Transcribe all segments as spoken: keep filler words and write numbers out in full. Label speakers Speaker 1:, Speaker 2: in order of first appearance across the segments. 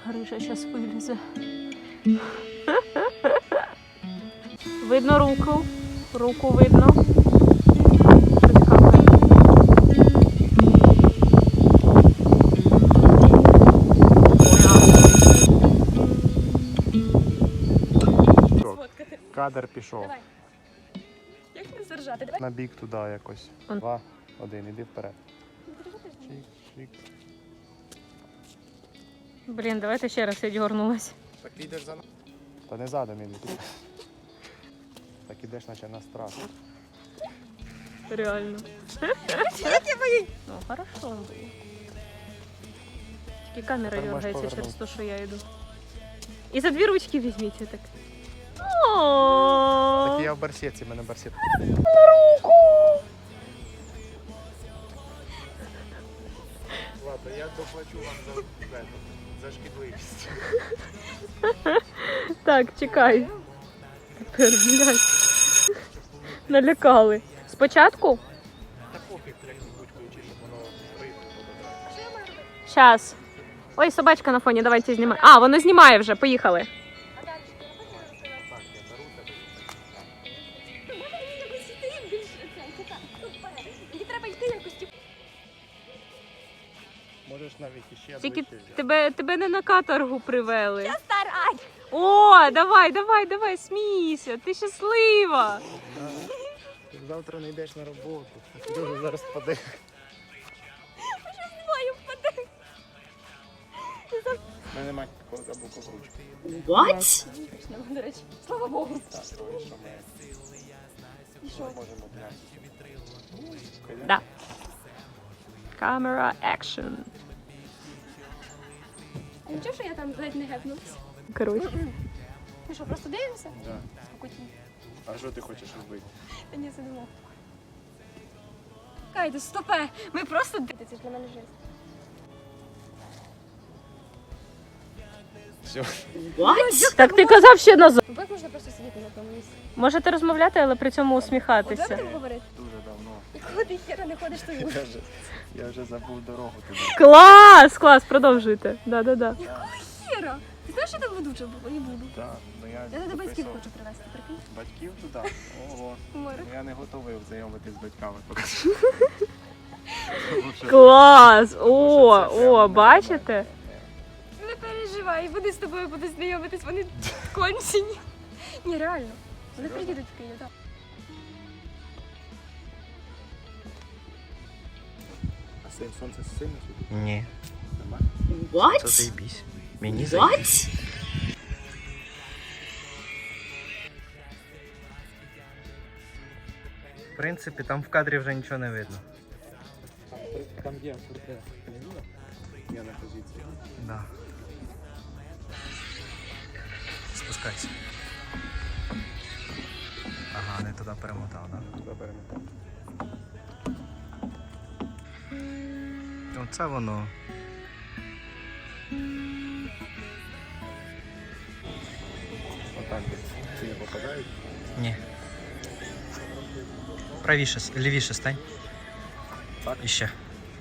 Speaker 1: Гриша зараз вилізе. Видно руку. Руку видно.
Speaker 2: Кадр пішов.
Speaker 3: Давай. Як не заржати? Давай.
Speaker 2: На бік туди якось.
Speaker 1: Он.
Speaker 2: Два, один, іди вперед. Чик, чик.
Speaker 1: Блін, давайте ще раз, я дьорнулась.
Speaker 2: Так йдеш за нами. Та не задом іди. Так ідеш, наче на страх.
Speaker 1: Реально.
Speaker 3: Як я боюсь?
Speaker 1: Ну, хорошо. Тільки камера
Speaker 2: Тепер можеш
Speaker 1: дергається через
Speaker 2: повернути.
Speaker 1: те, що я йду. І за дві ручки візьміть так. О,
Speaker 2: Так я в барсетці, в мене барсет. Ладно, я доплачу вам за, за, за шкідливість.
Speaker 1: Так, чекай. Тепер, блядь. Налякали. Спочатку?
Speaker 2: Та пофіг, як будь-якою чи щоб воно рибу подобрати.
Speaker 3: Що я маю робити?
Speaker 1: Щас. Ой, собачка на фоні, давайте знімай. А, воно знімає вже, поїхали.
Speaker 3: А далі що? Я хочу розповідати.
Speaker 2: Так, я беру тебе.
Speaker 3: Може мені якось йти більше це? Тіка, супер. Мені треба йти якось. типу.
Speaker 2: Можеш навіть іще
Speaker 1: Тільки
Speaker 2: ближче взяти.
Speaker 1: тебе, тебе не на каторгу привели.
Speaker 3: Я старай.
Speaker 1: О, давай, давай, давай, смійся, ти щаслива.
Speaker 2: Ти завтра не йдеш на роботу. Дуже зараз впаде.
Speaker 3: Маю впаде.
Speaker 2: У мене немає або покручки.
Speaker 3: What? До речі, слава Богу.
Speaker 2: Так, то що ми
Speaker 3: І що?
Speaker 2: можемо зняти.
Speaker 1: Да. Камера екшн.
Speaker 3: А нічого, що я там ледь не гепнулась?
Speaker 1: Коротше.
Speaker 3: Ми що, просто дивимося?
Speaker 2: Да.
Speaker 3: Спокійно.
Speaker 2: А що ти хочеш робити?
Speaker 3: Та ні, сидимо. Кайте, стопе. Ми просто дивимося. Це ж для мене жесть.
Speaker 2: Все.
Speaker 1: Так ти казав ще назад.
Speaker 3: Ну, як можна просто сидіти на тому місці?
Speaker 1: Можете розмовляти, але при цьому
Speaker 3: От як
Speaker 1: усміхатися.
Speaker 3: будемо говорити?
Speaker 2: Дуже давно.
Speaker 3: І коли ти хера не ходиш, то й
Speaker 2: Я вже, я вже забув дорогу туди.
Speaker 1: Клас, клас, продовжуйте. Да-да-да.
Speaker 3: хера. Ти знаєш, що там ведуча було? І буду.
Speaker 2: Так, ну я
Speaker 3: Я до батьків
Speaker 2: записував.
Speaker 3: хочу привезти, прикинь.
Speaker 2: Батьків туди? Ого.
Speaker 3: Море.
Speaker 2: Ну, я не готовий знайомитись з батьками.
Speaker 1: Клас! О, о, бачите?
Speaker 3: Не переживай, вони з тобою будуть знайомитись, вони кончені. Ні, реально. Вони приїдуть в Київ, так.
Speaker 2: А син сонце сильно світить?
Speaker 4: Ні.
Speaker 2: Нормально?
Speaker 4: Це заєбісь. Мені заєбісь. В принципі, там в кадрі вже нічого не видно.
Speaker 2: Там є портрет. Я на позиції.
Speaker 4: Да. Спускайся. Ага, не туди перемотав, да?
Speaker 2: Заберемо.
Speaker 4: Оце воно.
Speaker 2: Отак ці не попадають.
Speaker 4: Ні. Правіше, с- лівіше стань.
Speaker 2: Так.
Speaker 4: І ще.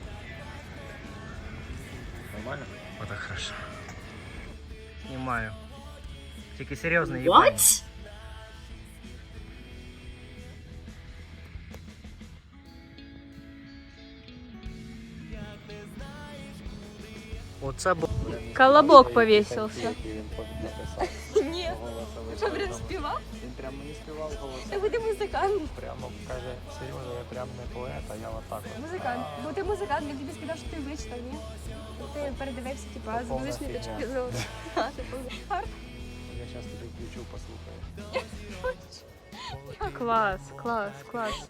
Speaker 2: Нормально?
Speaker 4: Отак хорошо. Знімаю. Тільки серйозно їбані. Оце бу...
Speaker 1: Колобок повісився.
Speaker 2: Який він написав.
Speaker 3: Ні.
Speaker 2: Голосовий
Speaker 3: Що, прям
Speaker 2: телефон.
Speaker 3: співав?
Speaker 2: Він прям мені співав голосом.
Speaker 3: Та буде музикант.
Speaker 2: Прямо каже, Сережа, я прям не поет, а я отак. от.
Speaker 3: Музикант. Бо ти музикант, він тобі сказав, що ти вичитав, ні? Ти передивився, типу, а з
Speaker 2: Повна
Speaker 3: музичної
Speaker 2: фігня.
Speaker 3: точки зору. А, типу, гарно.
Speaker 2: Я зараз тобі включу, послухаю.
Speaker 1: Клас, клас, клас.